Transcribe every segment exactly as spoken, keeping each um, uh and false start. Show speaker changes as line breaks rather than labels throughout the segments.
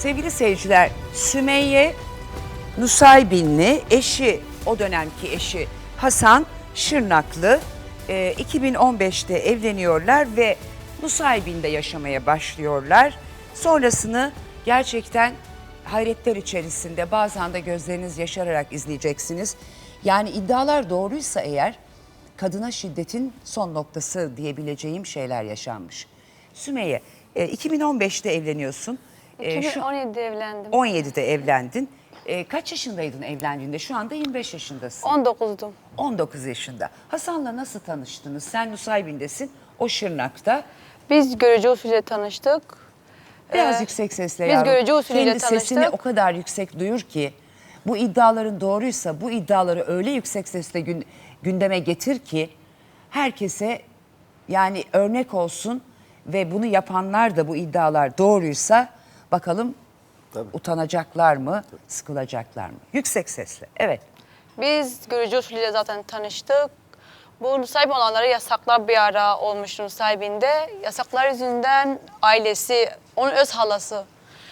Sevgili seyirciler, Sümeyye Nusaybinli, eşi, o dönemki eşi Hasan Şırnaklı, e, iki bin on beşte evleniyorlar ve Nusaybin'de yaşamaya başlıyorlar. Sonrasını gerçekten hayretler içerisinde, bazen de gözleriniz yaşararak izleyeceksiniz. Yani iddialar doğruysa eğer, kadına şiddetin son noktası diyebileceğim şeyler yaşanmış. Sümeyye, e, iki bin on beşte evleniyorsun. E,
iki bin on yedide
şu,
evlendim.
on yedide evlendin. E, kaç yaşındaydın evlendiğinde? Şu anda yirmi beş yaşındasın.
on dokuzdum.
on dokuz yaşında. Hasan'la nasıl tanıştınız? Sen Nusaybin'desin, o Şırnak'ta.
Biz görücü usulüyle tanıştık.
Biraz
Ee,
yüksek sesle
biz
yavrum.
görücü usulüyle
Kendi
tanıştık.
sesini o kadar yüksek duyur ki, bu iddiaların doğruysa bu iddiaları öyle yüksek sesle gün, gündeme getir ki herkese yani örnek olsun ve bunu yapanlar da bu iddialar doğruysa bakalım
Tabii.
utanacaklar mı, Tabii. sıkılacaklar mı? Yüksek sesle, evet.
Biz görücü usulüyle zaten tanıştık. Bu Nusaybin olanlara yasaklar bir ara olmuş Nusaybin'de. Yasaklar yüzünden ailesi, onun öz halası.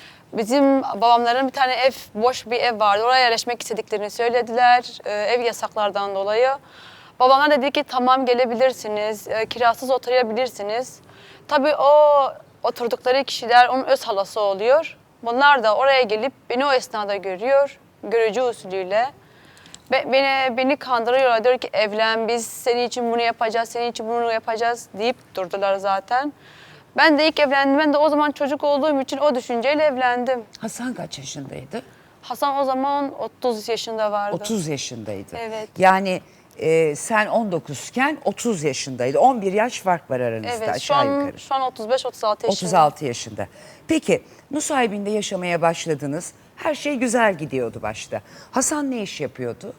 Bizim babamların bir tane ev, boş bir ev vardı. Oraya yerleşmek istediklerini söylediler. Ee, ev yasaklardan dolayı. Babamlar dedi ki tamam gelebilirsiniz, e, kirasız oturabilirsiniz. Tabii o oturdukları kişiler onun öz halası oluyor. Bunlar da oraya gelip beni o esnada görüyor, görücü usulüyle. Be, beni, beni kandırıyorlar, diyor ki evlen, biz senin için bunu yapacağız, senin için bunu yapacağız deyip durdular zaten. Ben de ilk evlendim, ben de o zaman çocuk olduğum için o düşünceyle evlendim.
Hasan kaç yaşındaydı?
Hasan o zaman otuz yaşında vardı.
otuz yaşındaydı.
Evet.
Yani e, sen on dokuzken otuz yaşındaydı. on bir yaş fark var aranızda
Evet, şu
aşağı
an,
yukarı.
şu an otuz beş otuz altı yaşında.
otuz altı yaşında. Peki Nusaybin'de yaşamaya başladınız. Her şey güzel gidiyordu başta. Hasan ne iş yapıyordu?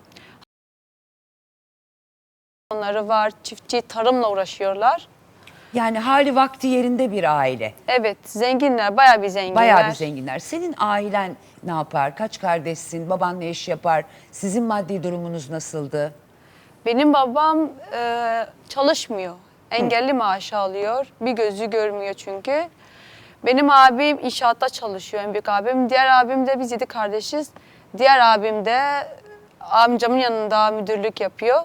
Onları var, çiftçi, tarımla uğraşıyorlar.
Yani hali vakti yerinde bir aile.
Evet, zenginler, bayağı bir zenginler.
Bayağı bir zenginler. Senin ailen ne yapar? Kaç kardeşsin? Baban ne iş yapar? Sizin maddi durumunuz nasıldı?
Benim babam e, çalışmıyor. Engelli maaşı alıyor. Bir gözü görmüyor çünkü. Benim abim inşaatta çalışıyor, en büyük abim. Diğer abim de, biz yedi kardeşiz. Diğer abim de amcamın yanında müdürlük yapıyor.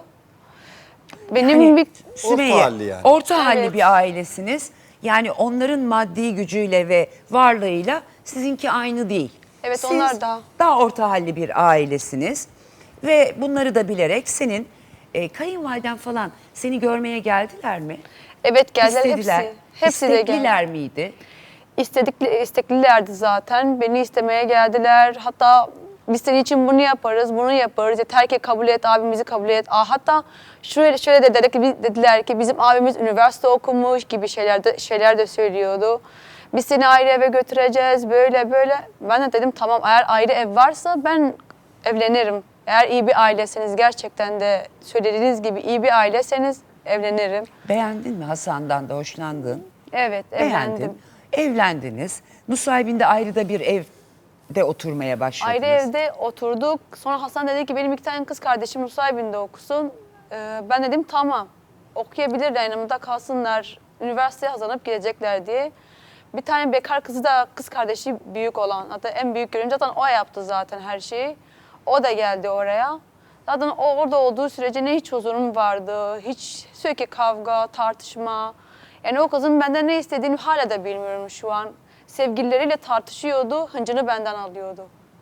Benim
Yani
bir...
Sümeyye,
Orta halli yani.
Orta halli
Evet.
bir ailesiniz. Yani onların maddi gücüyle ve varlığıyla sizinki aynı değil.
Evet,
Siz
onlar da.
daha orta halli bir ailesiniz. Ve bunları da bilerek senin e, kayınvaliden falan seni görmeye geldiler mi?
Evet, geldiler
İstediler.
hepsi. Hepsi de geldi.
İstekliler miydi?
İstedikli, isteklilerdi zaten. Beni istemeye geldiler. Hatta biz senin için bunu yaparız, bunu yaparız. Yeter ki kabul et, abimizi kabul et. Aa, hatta şöyle şöyle de dediler ki, dediler ki bizim abimiz üniversite okumuş gibi şeyler de, şeyler de söylüyordu. Biz seni ayrı eve götüreceğiz, böyle böyle. Ben de dedim tamam, eğer ayrı ev varsa ben evlenirim. Eğer iyi bir ailesiniz, gerçekten de söylediğiniz gibi iyi bir aileseniz evlenirim.
Beğendin mi Hasan'dan da hoşlandın?
Evet, evlendim.
Beğendin. Evlendiniz. Nusaybin'de ayrı da bir evde oturmaya başladınız.
Ayrı evde oturduk. Sonra Hasan dedi ki benim iki tane kız kardeşim Nusaybin'de okusun. Ee, ben dedim tamam, okuyabilirler, yanımda kalsınlar. Üniversiteye hazırlanıp gidecekler diye. Bir tane bekar kızı da, kız kardeşi büyük olan, hatta en büyük görünce zaten o yaptı zaten her şeyi. O da geldi oraya. Zaten o orada olduğu sürece ne hiç huzurum vardı, hiç sürekli kavga, tartışma. Yani o kızın benden ne istediğini hala da bilmiyorum şu an. Sevgilileriyle tartışıyordu, hıncını benden alıyordu.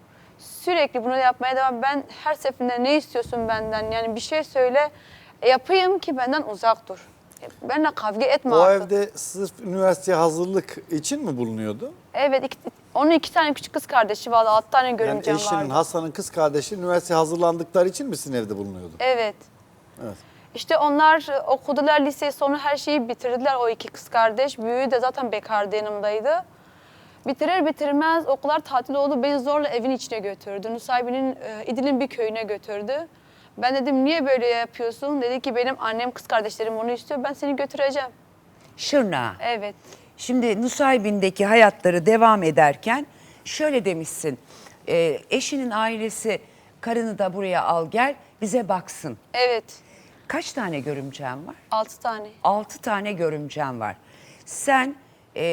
Sürekli bunu yapmaya devam. Ben her seferinde ne istiyorsun benden? Yani bir şey söyle, e, yapayım ki benden uzak dur. E, benimle kavga etme
O
artık.
evde sırf üniversiteye hazırlık için mi bulunuyordu?
Evet, iki, onun iki tane küçük kız kardeşi vardı, altı tane
Yani
görümcem
eşinin,
vardı.
Hasan'ın kız kardeşi üniversiteye hazırlandıkları için mi sizin evde bulunuyordu?
Evet.
Evet.
İşte onlar okudular, liseyi sonra her şeyi bitirdiler, o iki kız kardeş. Büyüğü de zaten bekardı, yanımdaydı. Bitirir bitirmez okullar tatil oldu, beni zorla evin içine götürdü. Nusaybin'in, e, İdil'in bir köyüne götürdü. Ben dedim niye böyle yapıyorsun? Dedi ki benim annem, kız kardeşlerim onu istiyor, ben seni götüreceğim.
Şırnak'a.
Evet.
Şimdi Nusaybin'deki hayatları devam ederken şöyle demişsin. E, eşinin ailesi karını da buraya al gel bize baksın.
Evet.
Kaç tane görümcen var?
Altı tane.
Altı tane görümcen var. Sen e,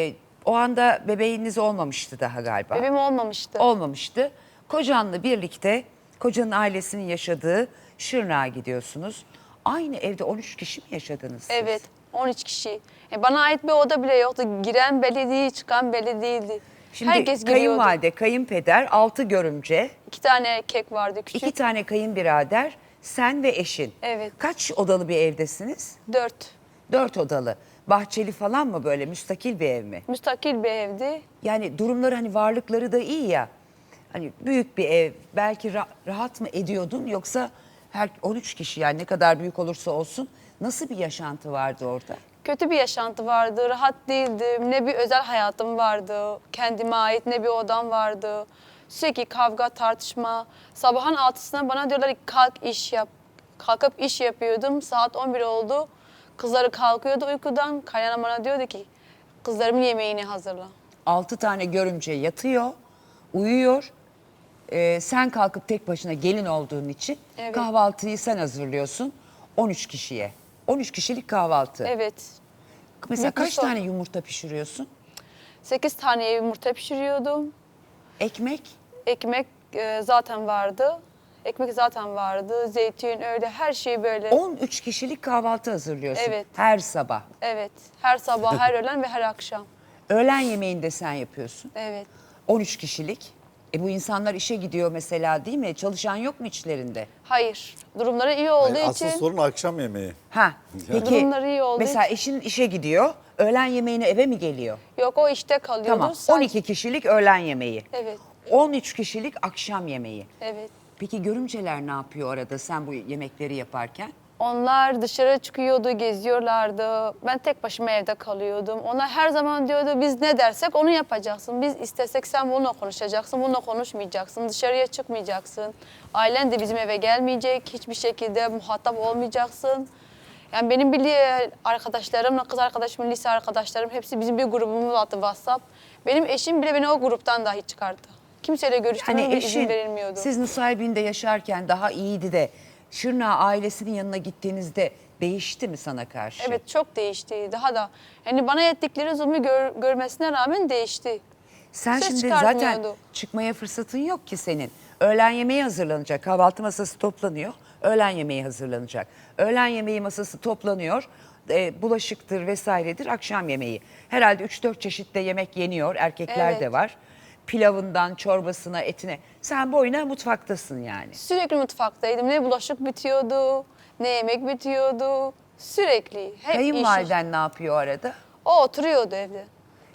O anda bebeğiniz olmamıştı daha galiba.
Bebeğim olmamıştı.
Olmamıştı. Kocanla birlikte kocanın ailesinin yaşadığı Şırnak'a gidiyorsunuz. Aynı evde on üç kişi mi yaşadınız siz?
Evet, on üç kişi. E, bana ait bir oda bile yoktu. Giren belli değil, çıkan belli değildi.
Şimdi
Herkes giriyordu.
kayınvalide, kayınpeder, altı görümce,
İki tane kek vardı küçük.
iki tane kayınbirader, sen ve eşin.
Evet.
Kaç odalı bir evdesiniz?
Dört.
Dört odalı. Bahçeli falan mı, böyle müstakil bir ev mi?
Müstakil bir evdi.
Yani durumları, hani varlıkları da iyi ya. Hani büyük bir ev, belki ra- rahat mı ediyordun, yoksa her on üç kişi, yani ne kadar büyük olursa olsun, nasıl bir yaşantı vardı orada?
Kötü bir yaşantı vardı, rahat değildim. Ne bir özel hayatım vardı, kendime ait ne bir odam vardı. Sürekli kavga, tartışma. Sabahın altısına bana diyorlar ki kalk iş yap. Kalkıp iş yapıyordum. Saat on bir oldu. Kızları kalkıyordu uykudan. Kaynanam bana diyordu ki kızlarımın yemeğini hazırla.
Altı tane görümce yatıyor, uyuyor. Ee, sen kalkıp tek başına gelin olduğun için
Evet.
kahvaltıyı sen hazırlıyorsun on üç kişiye. on üç kişilik kahvaltı.
Evet.
Mesela
Büyük bir
kaç
sorun.
tane yumurta pişiriyorsun?
Sekiz tane yumurta pişiriyordum.
Ekmek?
Ekmek e, zaten vardı. Ekmek zaten vardı. Zeytin öyle her şey böyle.
on üç kişilik kahvaltı hazırlıyorsun
Evet.
her sabah.
Evet. Her sabah, her öğlen ve her akşam.
Öğlen yemeğini de sen yapıyorsun.
Evet.
on üç kişilik. E bu insanlar işe gidiyor mesela, değil mi? Çalışan yok mu içlerinde?
Hayır. Durumları iyi olduğu
Yani asıl
için
sorun akşam yemeği.
Ha. Peki
Durumları iyi olduğu
mesela
için-
eşin işe gidiyor. Öğlen yemeğine eve mi geliyor?
yok o işte kalıyordu.
Tamam.
Sadece-
on iki kişilik öğlen yemeği.
Evet.
on üç kişilik akşam yemeği.
Evet.
Peki görümceler ne yapıyor arada sen bu yemekleri yaparken?
Onlar dışarı çıkıyordu, geziyorlardı. Ben tek başıma evde kalıyordum. Onlar her zaman diyordu biz ne dersek onu yapacaksın. Biz istesek sen bununla konuşacaksın, bununla konuşmayacaksın. Dışarıya çıkmayacaksın. Ailen de bizim eve gelmeyecek. Hiçbir şekilde muhatap olmayacaksın. Yani benim bile arkadaşlarımla, kız arkadaşım, lise arkadaşlarım hepsi bizim bir grubumuz vardı WhatsApp. Benim eşim bile beni o gruptan dahi çıkardı. Kimseyle görüşmeme
Hani
bile izin
eşin
verilmiyordu.
siz Nusaybin'de yaşarken daha iyiydi de Şırnak'a ailesinin yanına gittiğinizde değişti mi sana karşı?
Evet çok değişti. Daha da yani bana ettikleri zulmü gör- görmesine rağmen değişti.
Sen
Ses
şimdi zaten
çıkartmıyordu.
çıkmaya fırsatın yok ki senin. Öğlen yemeği hazırlanacak, kahvaltı masası toplanıyor, öğlen yemeği hazırlanacak. Öğlen yemeği masası toplanıyor, e, bulaşıktır vesairedir, akşam yemeği. Herhalde üç dört çeşitte yemek yeniyor, erkekler
Evet.
de var. Pilavından çorbasına, etine. Sen boyuna mutfaktasın yani.
Sürekli mutfaktaydım. Ne bulaşık bitiyordu, ne yemek bitiyordu. Sürekli. Hep iş.
Kayınvaliden ne yapıyor arada?
O oturuyordu evde.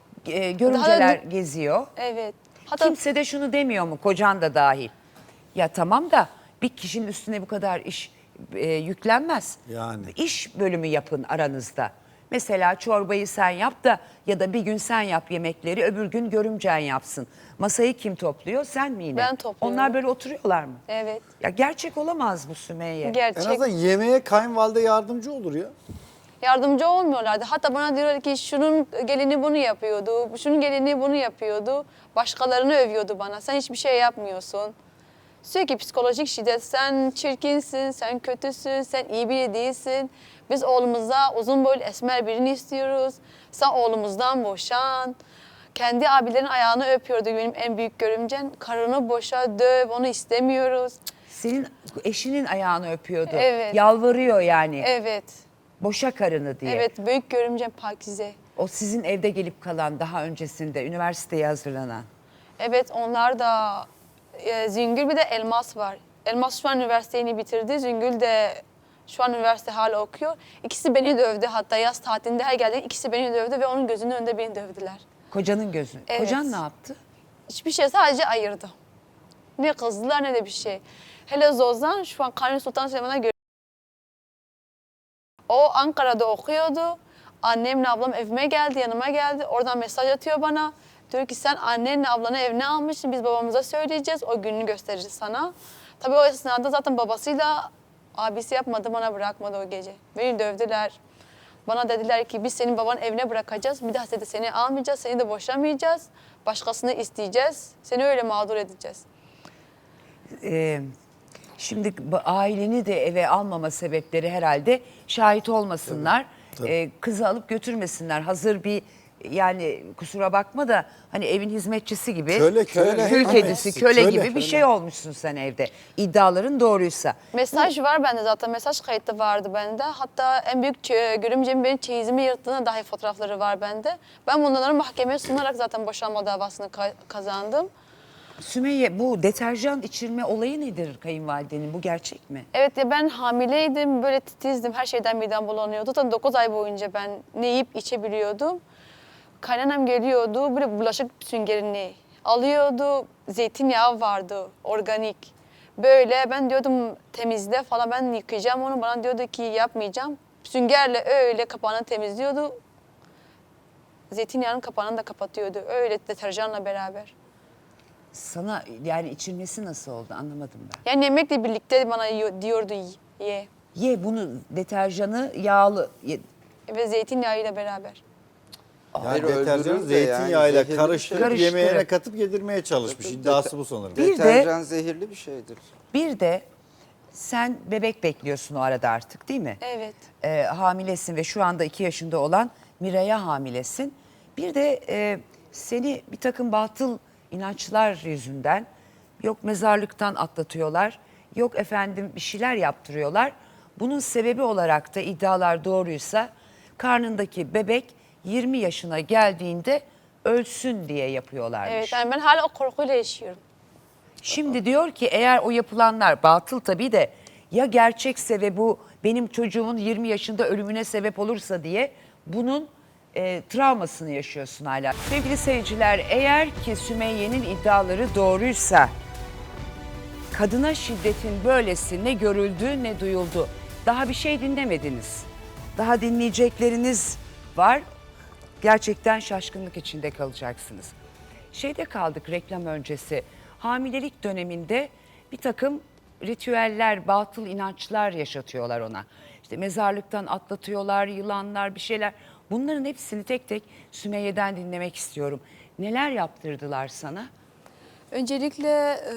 E, görümceler
Daha-
geziyor.
Evet. Hatta
Kimse de şunu demiyor mu, kocan da dahil? Ya tamam da bir kişinin üstüne bu kadar iş e, yüklenmez.
Yani.
İş bölümü yapın aranızda. Mesela çorbayı sen yap da, ya da bir gün sen yap yemekleri, öbür gün görümcen yapsın. Masayı kim topluyor, sen mi yine?
Ben topluyorum.
Onlar böyle oturuyorlar mı?
evet.
Ya gerçek olamaz bu Sümeyye.
En
Gerçek.
azından yemeğe kayınvalide yardımcı olur ya.
Yardımcı olmuyorlardı. Hatta bana diyorlar ki şunun gelini bunu yapıyordu, şunun gelini bunu yapıyordu. Başkalarını övüyordu bana. Sen hiçbir şey yapmıyorsun. Sürekli psikolojik şiddet. Sen çirkinsin, sen kötüsün, sen iyi biri değilsin. Biz oğlumuza uzun boylu esmer birini istiyoruz. Sen oğlumuzdan boşan. Kendi abilerin ayağını öpüyordu benim en büyük görümcem. Karını boşa, döv, onu istemiyoruz.
Senin eşinin ayağını öpüyordu.
Evet.
Yalvarıyor yani.
Evet,
Boşa karını diye.
evet büyük görümcem Pakize.
O sizin evde gelip kalan, daha öncesinde üniversiteye hazırlanan.
Evet onlar da e, Züngül bir de Elmas var. Elmas şu an üniversiteyi bitirdi. Züngül de şu an üniversite hala okuyor. İkisi beni dövdü hatta yaz tatilinde her geldiğinde ikisi beni dövdü ve onun gözünün önünde beni dövdüler.
Kocanın gözü.
Evet.
Kocan ne yaptı?
Hiçbir şey sadece ayırdı. Ne kızdılar ne de bir şey. Hele Zozan şu an Kanuni Sultan Süleyman'a göre. O Ankara'da okuyordu. Annemle ablam evime geldi, yanıma geldi. Oradan mesaj atıyor bana. Diyor ki sen annenle ablanı evine almışsın. Biz babamıza söyleyeceğiz. O gününü gösteririz sana. Tabii o esnada zaten babasıyla abisi yapmadı, bana bırakmadı o gece. Beni dövdüler. Bana dediler ki biz senin babanın evine bırakacağız. Bir daha de seni almayacağız, seni de boşamayacağız. Başkasını isteyeceğiz. Seni öyle mağdur edeceğiz.
Ee, şimdi bu aileni de eve almama sebepleri herhalde şahit olmasınlar.
Tabii.
Ee, kızı alıp götürmesinler. Hazır bir yani kusura bakma da hani evin hizmetçisi gibi.
Köle, köle.
Kül
Ama
kedisi, köle,
köle,
gibi bir
köle.
şey olmuşsun sen evde. İddiaların doğruysa.
Mesaj var bende zaten. Mesaj kayıtı vardı bende. Hatta en büyük çe- görümcemin benim çeyizimi yırttığına dair fotoğrafları var bende. Ben bunları mahkemeye sunarak zaten boşanma davasını ka- kazandım.
Sümeyye, bu deterjan içirme olayı nedir kayınvalidenin? Bu gerçek mi?
Evet ya ben hamileydim, böyle titizdim. Her şeyden midem bulanıyordu. Zaten dokuz ay boyunca ben ne yiyip içebiliyordum. Kaynanam geliyordu, böyle bulaşık süngerini alıyordu. Zeytinyağı vardı, organik. Böyle ben diyordum temizle falan, ben yıkayacağım onu. Bana diyordu ki yapmayacağım. Süngerle öyle kapağını temizliyordu. Zeytinyağının kapağını da kapatıyordu. Öyle deterjanla beraber.
Sana yani içirmesi nasıl oldu anlamadım ben.
Yani yemekle birlikte bana yiyor- diyordu ye.
Ye bunu, deterjanı yağlı. Ye.
Ve zeytinyağıyla beraber.
Yani
öldürür
deterjanı
de
zeytinyağıyla
yani zehirli bir
karıştırıp
şey.
yemeğine
Karıştırıp.
katıp yedirmeye çalışmış.
Tabii,
İddiası
dete-
bu sanırım.
Bir de-
Deterjan zehirli bir şeydir.
Bir de sen bebek bekliyorsun o arada artık değil mi?
Evet.
Ee, hamilesin ve şu anda iki yaşında olan Miray'a hamilesin. Bir de e, seni bir takım batıl inançlar yüzünden yok mezarlıktan atlatıyorlar, yok efendim bir şeyler yaptırıyorlar. Bunun sebebi olarak da iddialar doğruysa karnındaki bebek yirmi yaşına geldiğinde ölsün diye yapıyorlarmış.
Evet yani ben hala o korkuyla yaşıyorum.
Şimdi diyor ki eğer o yapılanlar batıl tabii de ya gerçekse ve bu benim çocuğumun yirmi yaşında ölümüne sebep olursa diye bunun e, travmasını yaşıyorsun hala. Sevgili seyirciler, eğer ki Sümeyye'nin iddiaları doğruysa kadına şiddetin böylesi ne görüldü ne duyuldu. Daha bir şey dinlemediniz. Daha dinleyecekleriniz var. Gerçekten şaşkınlık içinde kalacaksınız. Şeyde kaldık reklam öncesi. Hamilelik döneminde bir takım ritüeller, batıl inançlar yaşatıyorlar ona. İşte mezarlıktan atlatıyorlar, yılanlar, bir şeyler. Bunların hepsini tek tek Sümeyye'den dinlemek istiyorum. Neler yaptırdılar sana?
Öncelikle e,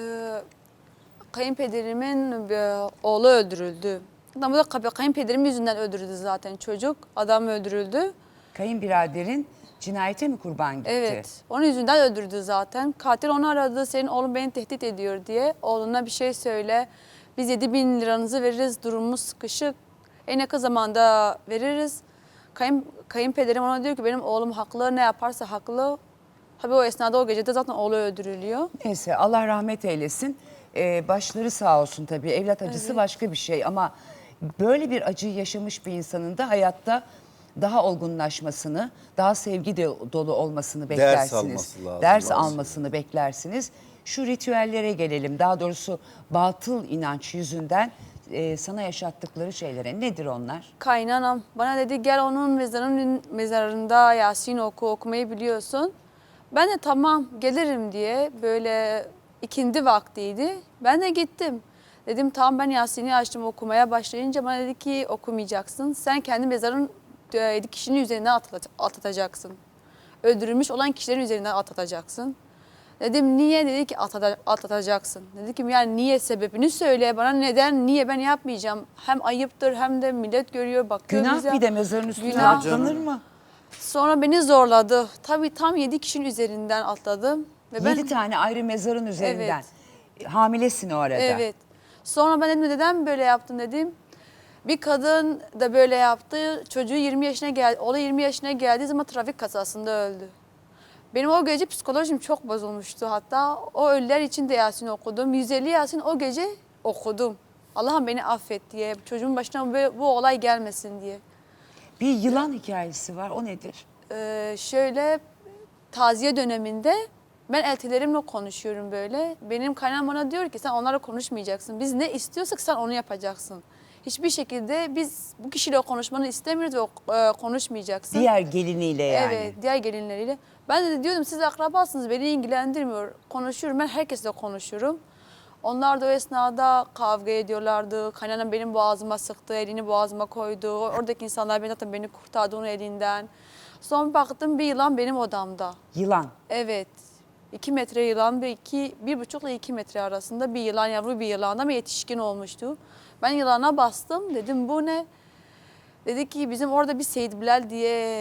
kayınpederimin e, oğlu öldürüldü. Adam da kay- kayınpederim yüzünden öldürüldü zaten çocuk. Adam öldürüldü.
Kayınbiraderin cinayete mi kurban gitti?
Evet. Onun yüzünden öldürdü zaten. Katil onu aradı. Senin oğlun beni tehdit ediyor diye. Oğluna bir şey söyle. Biz yedi bin liranızı veririz. Durumumuz sıkışık. En yakın zamanda veririz. Kayın, kayınpederim ona diyor ki benim oğlum haklı. Ne yaparsa haklı. Tabii o esnada o gecede zaten oğlu öldürülüyor.
Neyse Allah rahmet eylesin. Ee, başları sağ olsun tabii. Evlat acısı başka bir şey ama böyle bir acıyı yaşamış bir insanın da hayatta daha olgunlaşmasını, daha sevgi de dolu olmasını beklersiniz.
alması lazım.
Ders
Lazım.
almasını beklersiniz. Şu ritüellere gelelim. Daha doğrusu batıl inanç yüzünden e, sana yaşattıkları şeylere. Nedir onlar?
Kaynanam bana dedi gel onun mezarının mezarında Yasin oku, okumayı biliyorsun. Ben de tamam gelirim diye böyle ikindi vaktiydi. Ben de gittim. Dedim tamam ben Yasin'i açtım okumaya başlayınca bana dedi ki okumayacaksın. Sen kendi mezarın e, kişinin üzerinden atlat- atlatacaksın. Öldürülmüş olan kişilerin üzerinden atlatacaksın. Dedim niye? Dedi ki "Atlata- atlatacaksın. Dedi ki yani niye, sebebini söyle bana, neden, niye ben yapmayacağım. Hem ayıptır hem de millet görüyor bakıyor
Günah
bize.
bir de mezarın üstüne
Günah.
atlanır mı?
Sonra beni zorladı. Tabii tam yedi kişinin üzerinden atladım. Ve ben,
Yedi tane ayrı mezarın üzerinden. Hamilesin o arada.
Evet. Sonra ben dedim neden böyle yaptın dedim. Bir kadın da böyle yaptı. Çocuğu yirmi yaşına geldi. Oğlu yirmi yaşına geldiği zaman trafik kazasında öldü. Benim o gece psikolojim çok bozulmuştu. Hatta o ölüler için de Yasin okudum. yüz elli Yasin o gece okudum. Allah'ım beni affet diye. Çocuğun başına bu, bu olay gelmesin diye.
Bir yılan hikayesi var. O nedir?
Ee, şöyle taziye döneminde ben eltilerimle konuşuyorum böyle. Benim kaynağım bana diyor ki sen onlarla konuşmayacaksın. Biz ne istiyorsak sen onu yapacaksın. Hiçbir şekilde biz bu kişiyle konuşmanı istemiyoruz ve e, konuşmayacaksın.
Diğer geliniyle yani.
Evet, diğer gelinleriyle. Ben de diyordum siz akrabasınız, beni ilgilendirmiyor. Konuşuyorum, ben herkesle konuşurum. Onlar da o esnada kavga ediyorlardı. Kaynanam benim boğazıma sıktı, elini boğazıma koydu. Oradaki insanlar beni zaten beni kurtardı onun elinden. Sonra baktım bir yılan benim odamda.
Yılan.
Evet. iki metre yılan, bir, iki, bir buçukla iki metre arasında bir yılan, yavru bir yılan ama yetişkin olmuştu. Ben yılana bastım, dedim bu ne? Dedi ki bizim orada bir Seyit Bilal diye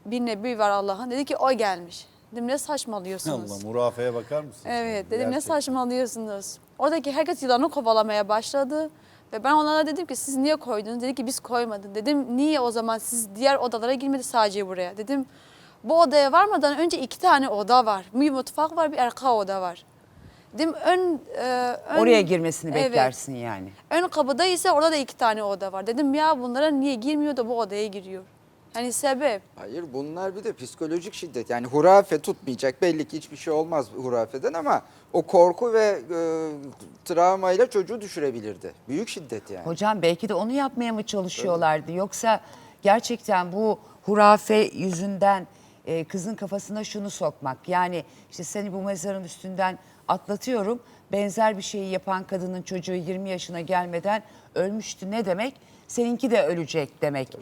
bir nebi var Allah'ın. Dedi ki o gelmiş. Dedim ne saçmalıyorsunuz?
Allah, murafeye bakar mısın?
Evet, dedim ne
Gerçekten.
saçmalıyorsunuz? Oradaki herkes yılanı kovalamaya başladı. Ve ben onlara dedim ki siz niye koydunuz? Dedi ki biz koymadık. Dedim niye o zaman siz diğer odalara girmedi sadece buraya? Dedim bu odaya varmadan önce iki tane oda var. Bir mutfak var, bir arka oda var. Dedim ön... e, ön
Oraya girmesini
Evet.
beklersin yani.
Ön kapıda ise orada da iki tane oda var. Dedim ya bunlara niye girmiyor da bu odaya giriyor? Yani sebep.
Hayır, bunlar bir de psikolojik şiddet. Yani hurafe tutmayacak. Belli ki hiçbir şey olmaz hurafeden ama o korku ve e, travmayla çocuğu düşürebilirdi. Büyük şiddet yani.
Hocam belki de onu yapmaya mı çalışıyorlardı? Yoksa gerçekten bu hurafe yüzünden e, kızın kafasına şunu sokmak. Yani işte seni bu mezarın üstünden atlatıyorum. Benzer bir şeyi yapan kadının çocuğu yirmi yaşına gelmeden ölmüştü. Ne demek? Seninki de ölecek demek.